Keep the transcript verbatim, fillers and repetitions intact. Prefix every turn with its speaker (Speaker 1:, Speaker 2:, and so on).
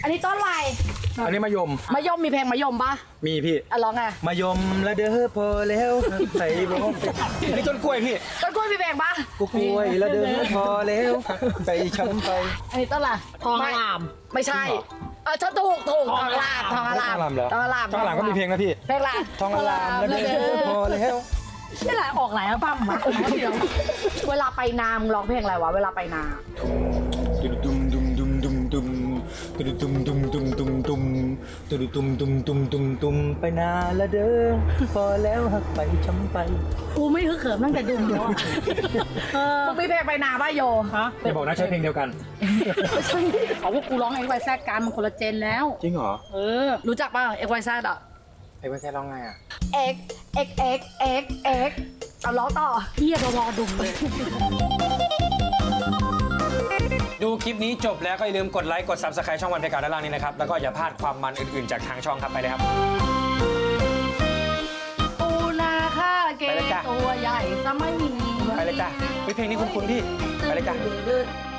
Speaker 1: อันนี้ต้นอะไร
Speaker 2: อันนี้มะยม
Speaker 1: มะยมมีเพลงมะยมปะ
Speaker 2: มีพี่
Speaker 1: อ่ะร้องไง
Speaker 2: มายมละเด้อพอแล้วใส่บ่อันนี้ต้นกล้วยพี่
Speaker 1: ต้นกล้วยมีเพลงปะ
Speaker 2: กูกล้วยละเด้อพอแล้วไปช้ำไป
Speaker 1: อันนี้ต้นอะไร
Speaker 3: ทองอลาม
Speaker 1: ไม่ใช่เออชอบถูกถูกทองอลามทองอลาม
Speaker 2: ทองอลามเหรอ
Speaker 1: ทองอลาม
Speaker 2: ทองอลามก็มีเพลงนะพี่
Speaker 1: เพลงอะไร
Speaker 2: ทองอลามละเด้อพอแล้ว
Speaker 3: นี่แหละออกหลายอัลบั้มอะเดี๋ยว
Speaker 1: เวลาไปนามึงร้องเพลงอะไรวะเวลาไปนา
Speaker 2: ดุมดุมดุมดุมดุมดุมดุมดุมดุมดุมดุมดุมดุมดุมดุมดุมดุมไปนาละเด้อพอแล้วหักไปช้ำไป
Speaker 3: กูไม่ฮึกเหิมตั้งแต่ดุมแล้วอะเออ
Speaker 1: มึงมีเพลงไปนาป่ะโย
Speaker 3: ฮะ
Speaker 2: อย่าบอกนะใช้เพลงเดียวกัน
Speaker 3: ไม่ใช่เขาพวกกูร้องไอ้ไวแซกกันมันคนละเจนแล้ว
Speaker 2: จริงเหรอ
Speaker 3: เออ
Speaker 1: รู้จักป่ะเอ็กไวแซดอ่ะ
Speaker 2: ไอ้เพื่อนแค่ร้องไงอ่ะ
Speaker 1: X X X X X เอาร้องต่อ
Speaker 3: เฮียรอดุมเลย
Speaker 2: ดูคลิปนี้จบแล้วก็อย่าลืมกดไลค์กด ซับสไครบ์ ช่องวันเพกาด้านล่างนี้นะครับแล้วก็อย่าพลาดความมันอื่นๆจากทางช่องครับไปเลยครับ
Speaker 1: ปูนาค่าเก
Speaker 2: ไปเลยจ้ะ
Speaker 1: ตัวใหญ่ซะไม่มี
Speaker 2: ไปเลยจ้ะเฮ้ยเพลงนี้คุ้นๆพี่ไปเลยจ้ะ
Speaker 1: ดื้อ